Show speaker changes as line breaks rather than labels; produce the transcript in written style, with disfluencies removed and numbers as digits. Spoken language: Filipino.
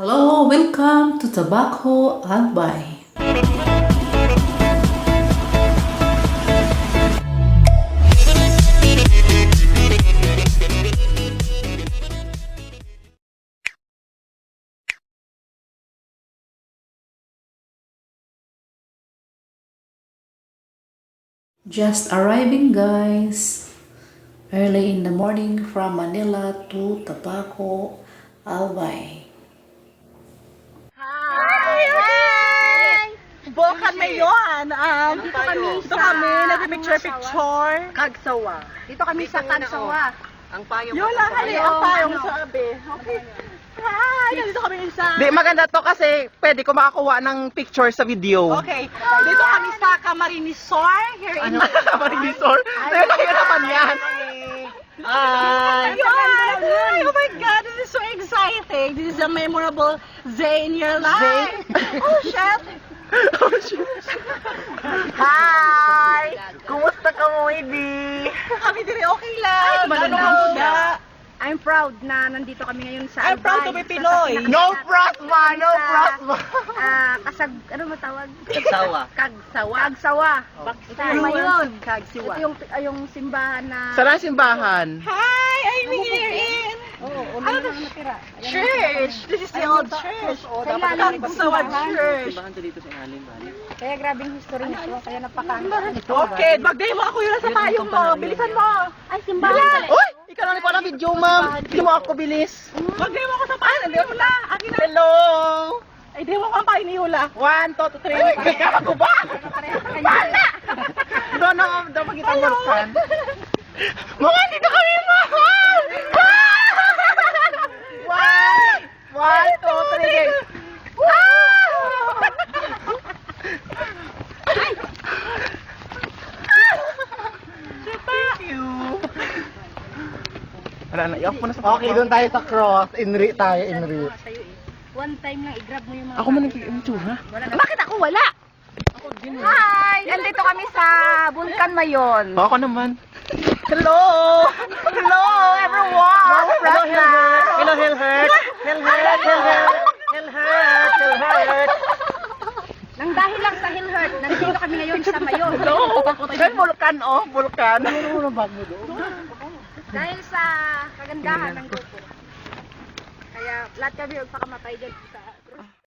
Hello, welcome to Tobacco Albay. Just arriving, guys. Early in the morning from Manila to Tobacco Albay.
Hi! Bokan ngayon. Dito kami, nag-picture-picture.
Kagsawa. Dito kami sa Kagsawa.
Ang payong.
Yun lang, hali ang payong sabi. Okay. Hi! Nandito kami isa.
Di, maganda to kasi pwede ko makakuha ng picture sa video.
Okay. Dito kami sa Camarines Resort. Here in
Marinisor? Ayun naman yan. Hi!
Hi! Oh my God, this is so exciting. This is a memorable day in your life. Oh, shit.
Oh, shit. Hi! Kumusta ka mo, Edi?
Kami din okay lang.
maganda.
I'm proud na nandito kami ngayon sa
I'm proud to be
Albay.
Pinoy.
No prosma! No prosma!
Ano mo tawag?
Kagsawa.
Kagsawa. Kagsawa. Ito yung ngayon.
Kagsiwa.
Ito yung simbahan na...
Saan ang simbahan?
Hi! I'm here in
Ano na natira?
church. This is the old church.
Kailangan
Kagsawa Church.
Kaya grabing history nito. Kaya napakano.
Okay, mag-demo ako yun sa payong mo. Bilisan mo.
Ay, simbahan.
Uy! Ikaw na pala video, ma'am. Hindi mo ako bilis.
Mag-demo ako sa payong ni Hula. Akin na.
Hello!
Ay, demo ko ang payong ni Hula.
1, 2, 3. Ay, kaya ko ba? Bala! Doon ako magkita morkan. Mga dito kami, mahal! 1, 2, 3. Thank you. Wala na, i-off mo na sa
Okay, doon tayo sa cross. Inri tayo, inri.
One time lang, i-grab mo yung mga...
Ako man nag-i-insura.
Bakit ako wala? Hi! Nandito kami sa Bulkan Mayon.
Ako naman. Hello! Hello, everyone! Hello, Hilhert! Hello, Hilhert! Hilhert! Hilhert! Hilhert! Hilhert!
Nang dahil lang sa Hilhert, nandito kami ngayon sa Mayon.
Saan vulkan, oh? Vulkan.
Dahil sa kagandahan ng grupo. Kaya lahat kami magpakamatay dyan sa...